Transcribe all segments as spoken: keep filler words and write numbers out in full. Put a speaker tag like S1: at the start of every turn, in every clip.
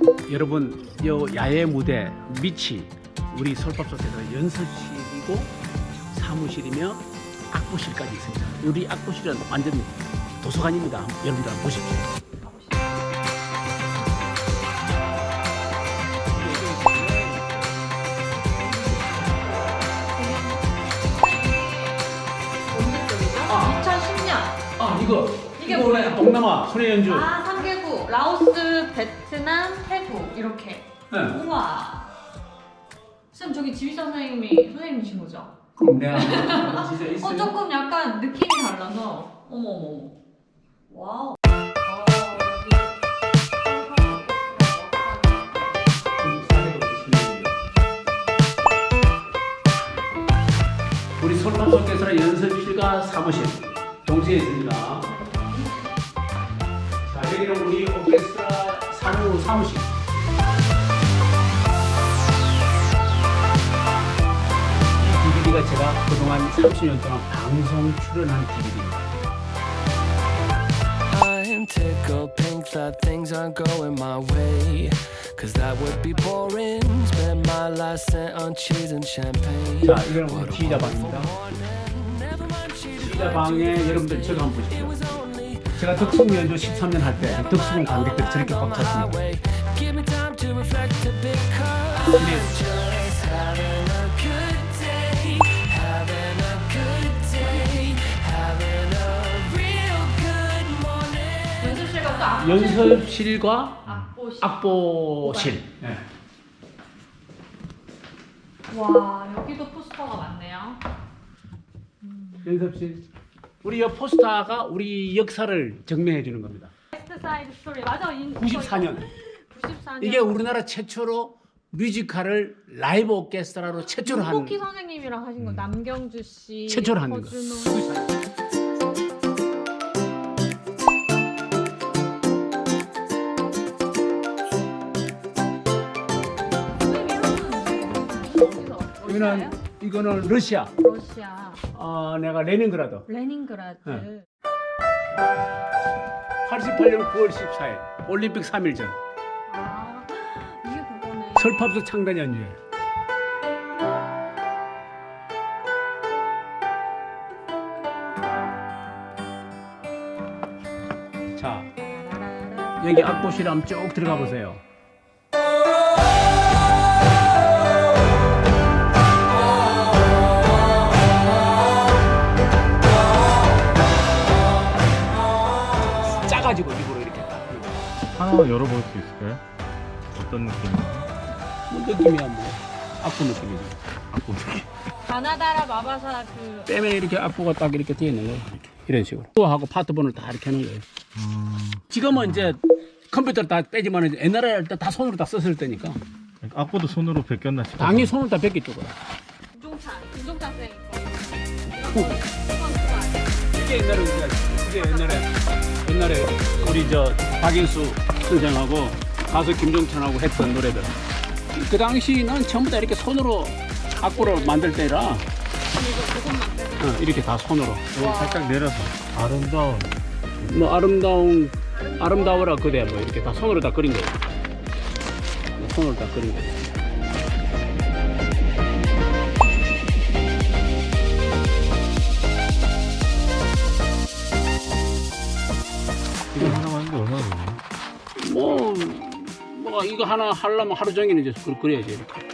S1: 여러분, 요 야외 무대 밑이 우리 솔밥솥에서 연습실이고 사무실이며 악보실까지 있습니다. 우리 악보실은 완전 도서관입니다. 여러분들 한번 보십시오.
S2: 아. 이천십 년.
S1: 아, 이거
S2: 이게
S1: 이거
S2: 뭐예요?
S1: 동남아 손의 연주.
S2: 아, 삼 개국. 라오스, 베트남, 태국 이렇게.
S1: 네.
S2: 우와. 쌤 저기 지휘자 선생님이 선생님이신 거죠?
S1: 그럼 내가 진짜 있어요.
S2: 어 조금 약간 느낌이 달라서. 어머 어머. 와우.
S1: 우리 솔밥솥에서는 연습실과 사무실 동시에 있습니다. 자, 여기는 우리 오케스트라 사무 사무실. 이 디비디가 제가 그동안 삼십 년 동안 방송 출연한 디비디입니다.
S3: I'm tickled pink that things aren't going my way. Cause that would be boring. Spend my last cent on cheese and champagne.
S1: 자, 이거는 우리 지휘자방입니다. 지휘자방에 여러분들 저거 한번 보십시오. 제가 덕숭 연주 십삼 년 할 때 덕숭 관객들이 저렇게 꽉 찼습니다.
S3: Give me time to reflect a bit.
S1: 근데
S3: Just having a good day. Having a good day. Having a real good morning.
S2: 연습실과 또 악보실.
S1: 연습실과
S2: 악보실.
S1: 악보실. 네.
S2: 와 여기도 포스터가 많네요.
S1: 연습실. 우리 이 포스터가 우리 역사를 증명해 주는 겁니다.
S2: 웨스트 사이드 스토리 맞아. 인-
S1: 구십사 년.
S2: 구십사 년.
S1: 이게 우리나라 최초로 뮤지컬을 라이브 오케스트라로 최초로 한
S2: 윤복희 선생님이랑 하신 거 남경주 씨.
S1: 최초로 하는 거.
S2: 허준호.
S1: 이거는 이거는 러시아.
S2: 러시아.
S1: 어, 내가 레닌그라드.
S2: 레닌그라드.
S1: 네. 팔십팔 년 구월 십사일 올림픽 삼 일 전
S2: 아 이게 그거네.
S1: 설팝소 창단 연주회. 자, 여기 악보실에 한번 쭉 들어가 보세요. 짜가지고 입으로 이렇게 딱.
S4: 하나 열어볼 수 있을까요? 어떤 느낌인가요?
S1: 뭐 느낌이야 뭐 악보 느낌이지.
S4: 악보 느낌.
S2: 가나다라 마바사 그
S1: 빼면 이렇게 악보가 딱 이렇게 되어 있는 거예요. 이렇게. 이런 식으로. 또 하고 파트번을 다 이렇게 하는 거예요.
S4: 음,
S1: 지금은 이제 컴퓨터를 다 빼지만 옛날에 할 때 다 손으로 다 썼을 때니까
S4: 악보도 손으로 베꼈나 싶어서.
S1: 당연히 손을 다 뺏겼죠. 그럼.
S2: 김종찬 김종찬 쌤 거.
S1: 후. 이게 옛날에 우리가 이게 옛날에 옛날에 우리 저 박인수 선생하고 가수 김종찬하고 했던 노래들. 그 당시는 전부 다 이렇게 손으로 악보를 만들 때라
S2: 이거 그것만 빼고.
S1: 어, 이렇게 다 손으로.
S4: 여기 살짝 내려서 아름다운.
S1: 뭐 아름다운 아름다워라 그대 뭐 이렇게 다 손으로 다 그린 거예요. 손으로 다 그린 거예요.
S4: 이거 하나 하는데 얼마나 걸려요?
S1: 뭐, 뭐 이거 하나 하려면 하루 종일 이제 그- 그래야지 이렇게.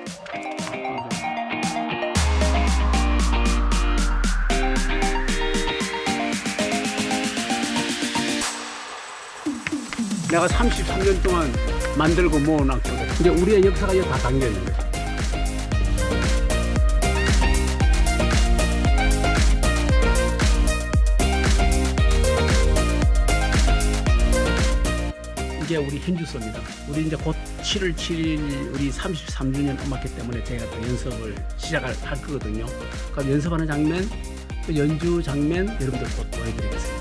S1: 내가 삼십삼 년 동안 만들고 모아놨거든. 근데 우리의 역사가 이거 다 담겨 있는 거야. 이게 우리 현주소입니다. 우리 이제 곧 칠월 칠일 우리 삼십삼 주년 음악회 때문에 제가 또 연습을 시작을 할 거거든요. 그럼 연습하는 장면, 또 연주 장면 여러분들 곧 보여드리겠습니다.